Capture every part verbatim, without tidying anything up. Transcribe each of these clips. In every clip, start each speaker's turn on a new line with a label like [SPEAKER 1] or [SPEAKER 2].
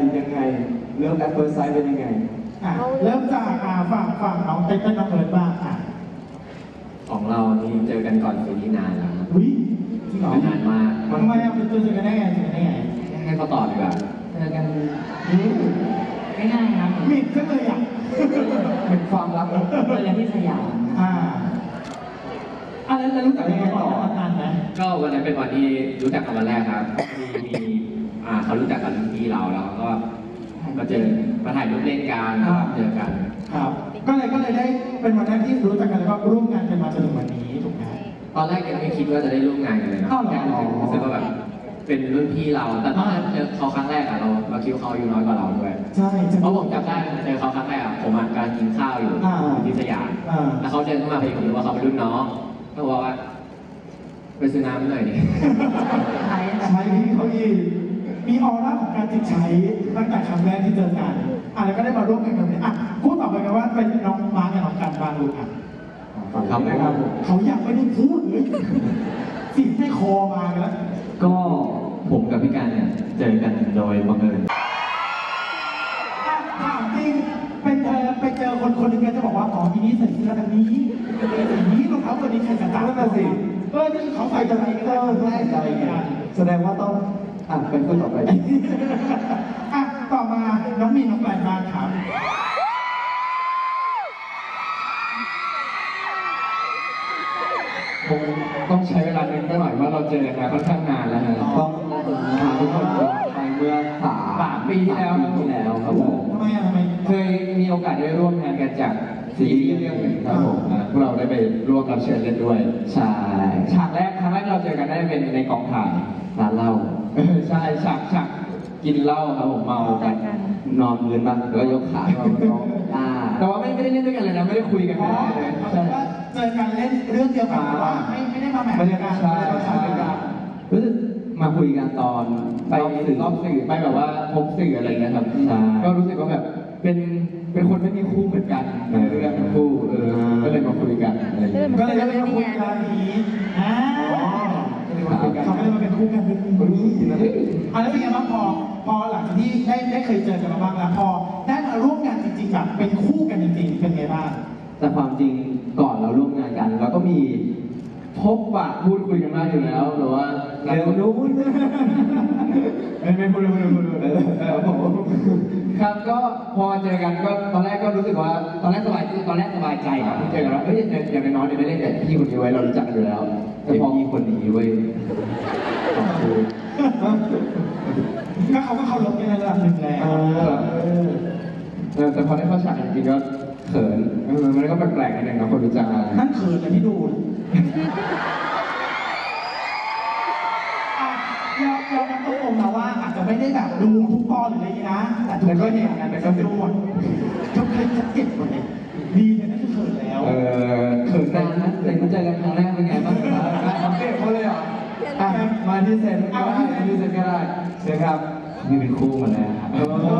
[SPEAKER 1] ยังไงเริ่มแอปเปิลไซด์เป็นยังไง
[SPEAKER 2] อ่ะเริ่มจากอ่าฝั่งฝั่งน้องเต้นน้องเอิร์ธบ้างอ่ะ
[SPEAKER 3] ของเรานี่เจอกันก่อนซีรีส์นานแล้วครับ
[SPEAKER 2] อุ้ยจริงเหรอน
[SPEAKER 3] านมาก
[SPEAKER 2] ทำไมอ่ะเป็นตัวเจอกันได้ไงเจอกันได้ไง
[SPEAKER 3] ให้เขาตอบดีกว่าเจอกันง่ายๆครับ
[SPEAKER 2] มิดก็เลยอ่ะ
[SPEAKER 1] เป็นความลับ
[SPEAKER 3] เจอกันที่สยาม
[SPEAKER 2] อ่าอะไรแล้วรู้จักยังไงต่อนานไหม
[SPEAKER 3] ก็วันนั้นเป็นวันที่รู้จักกันวันแรกครับมีมีอ่าเขารู้จักกันที่เราแล้วก็มาเจอมาถ่ายรูปเล่นกันเจอกัน
[SPEAKER 2] ครับก็เลยก็เลยได้เป็นวันแรกที่รู้จักกันแล้วก็ร่วมงานกันมาจนถึงวันนี้ถูกไหม
[SPEAKER 3] ตอนแรกยังไม่คิดว่าจะได้ร่วมงานกันเลยนะแค่รู้สึกว่าแบบเป็นรุ่นพี่เราแต่ตอนเจอเขาครั้งแรกอะเราเราคิดว่าเขาอายุน้อยกว่าเราด้วย
[SPEAKER 2] ใช่
[SPEAKER 3] เพราะผมจำได้เจอเขาครั้งแรกผมกำลังกินข้าวอยู่ที่สยามแล้วเขาเดินเข้ามาพอดีผมรู้ว่าเขาเป็นรุ่นน้องก็บอกว่าไปซื้อน้ำหน่อยดิ
[SPEAKER 2] ใช้พี่เขาอีกมีออร่าของการติดใช้ตั้งแต่ครั้งแรกที่เจอกันอ่ะแล้วก็ได้มาร่วมกันแบบนี้อ่ะพูดต่อไปกันว่าเป็นน้องมาร์กับน้องกันบางลูกอ่ะ
[SPEAKER 1] ครับนะครับ
[SPEAKER 2] เขาอยากไม่ได้พูดเลยสิ่งให้คอมาแล้ว
[SPEAKER 1] ก็ผมกับพี่การเนี่ยเจอกันโดยบังเอิญ
[SPEAKER 2] ถามจริงเป็นเธอไปเจอคนคนหนึ่งจะบอกว่าอ๋อทีนี้ใส่เสื้อแบบนี้สีนี้รองเท้าตัวนี้ใครจะตามนั่นสิเออที่เขาใส่จะใส่ก็ได้แน่ใจ
[SPEAKER 1] แสดงว่าต้องอ่ะเป็นคนต่อไป
[SPEAKER 2] อ่ะต่อมาน้องมีน้องแปลงมาถาม
[SPEAKER 1] คงต้องใช้เวลาเนึงไปหน่อยว่าเราเจอกันมาค่อนข้างนานแล้วนะต้องถามทุกคนไปเมื่อสาม
[SPEAKER 3] สามปีที่แล้ว
[SPEAKER 1] ที่แล้วครับผม
[SPEAKER 2] ทำไมอ่ะทำไม
[SPEAKER 1] เคยมีโอกาสได้ร่วมงานกันจากซีรีส์เรื่องหนึ่งครับผมพวกเราได้ไปร่วมรับเชิญเล่นด้วยใช่ฉากแรกครั้งแรกเราเจอกันได้เป็นในกองถ่ายร้านเหล้าใช่ฉากฉากกินเหล้าครับผมเมากันนอนพื้นบ้างแล้วก็ยกขาเราก็แต่ว่าไม่ไม่ได้เล่นด้วยกันเลยนะไม่ได้คุยกันเลย
[SPEAKER 2] ใช่เจอกันเล่นเรื่องเดียวกันว่าไม่ไม่ได้มาแมทกัน
[SPEAKER 1] ใช่ใช่รู้สึกมาคุยกันตอนไปสื่อรอบสื่อไปแบบว่าพบสื่ออะไรเงี้ยครับก็รู้สึกว่าแบบเป็นเป็นคนไม่มีคู่เหมือนกันในเรื่องคู่เออก็เลยมาคุยกันอะไร
[SPEAKER 2] ก็เลยได้มาคุยกันนี้อ่าเขาไม่ได้มาเป็นคู่กันเป็นคู่นะอ่ะแล้วเป็นไงบ้างพอพอหลังจากที่ได้ได้เคยเจอกันมาบ้างแล้วพอได้มาร่วมงานจริงๆแบบเป็นคู่กันจริงๆเป็นไงบ้าง
[SPEAKER 1] แต่ความจริงก่อนเราร่วมงานกันเราก็มีพบปะพูดคุยกันมาอยู่แล้วหรือว่าเร็วนู้นไม่ไม่พูดไม่พูดไม่พูดครับก็พอเจอกันก็ตอนแรกก็รู้สึกว่าตอนแรกสบายตอนแรกสบายใจครับที่เจอกันว่าเอ้ยอย่างน้อยๆเนี่ยไม่ได้แต่พี่คนนี้ไว้เรารู้จักกันอยู่แล้วแต่พอมีคนนี้ไว้ขอบคุณ
[SPEAKER 2] ก็เขาก็เคารพในระดับหนึ่งแล้ว
[SPEAKER 1] แต่พอได้เข้าฉากจริงๆก็เขินมันก็แปลกๆนิดนึงนะคนรู้จักกัน
[SPEAKER 2] นั่นเขินเลยที่ดูเราเราต้องตรงนะว่าอาจจะไม่ได้แบบดูทุกตอนหรืออะไรนะแต่ก็เห็นกันแต่ก็ดูหมดทุกคลิปจะเก็บหมดเลยดีแต่นั่นคือเขินแล้ว
[SPEAKER 1] เออเขินนานนะแต่มาเจอกันครั้งแรกเป็นไงบ้างครับทำเก็บเขาเลยเหรอมาที่เซนก็ได้มาที่เซนก็ได้เชิญครับนี่เป็นคู่มาแล้วครับ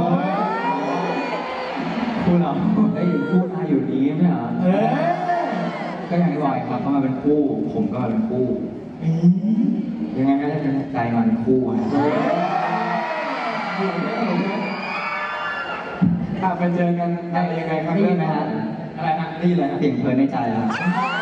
[SPEAKER 1] คู่เราได้อยู่คู่มาอยู่นี้ไหมเหรอเออก็อย่างที่บอกครับเขามาเป็นคู่ผมก็มาเป็นคู่ยังไงก็ได้เป็นใจมันคู่ฮะถ้าไปเจอกันอะไรยังไงครับได้ยินไหมฮะอะไรฮะได้ยินอะไรเสียงเพลินในใจครับ